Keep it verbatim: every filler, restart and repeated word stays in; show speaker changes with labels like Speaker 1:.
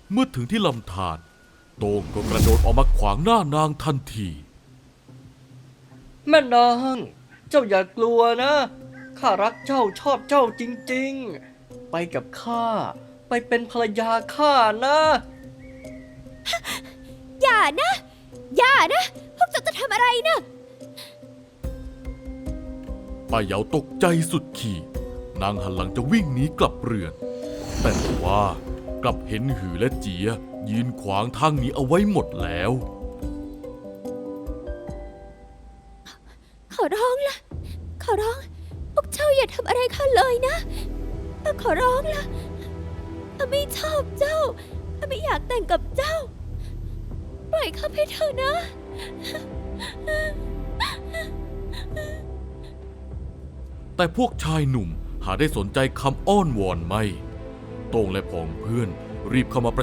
Speaker 1: เมื่อถึงที่ลำธารโต้งก็กระโดดออกมาขวางหน้านางทันที
Speaker 2: แม่นางเจ้าอย่ากลัวนะข้ารักเจ้าชอบเจ้าจริงๆไปกับข้าไปเป็นภรรยาข้านะ
Speaker 3: อย่านะ อย่านะ พวกเจ้าจะทำอะไรนะ
Speaker 1: ป้าเหยาตกใจสุดขีดนางหันหลังจะวิ่งหนีกลับเรือน แต่ว่ากลับเห็นหือและเจียยืนขวางทางหนีเอาไว้หมดแล้ว
Speaker 3: ขอร้องละขอร้อง พวกเจ้าอย่าทำอะไรข้าเลยนะข้าขอร้องละข้าไม่ชอบเจ้าข้าไม่อยากแต่งกับเจ้า ปล่อยข้าไปเถอะนะ
Speaker 1: แต่พวกชายหนุ่มหาได้สนใจคำอ้อนวอนไม่โต้งและผองเพื่อนรีบเข้ามาปร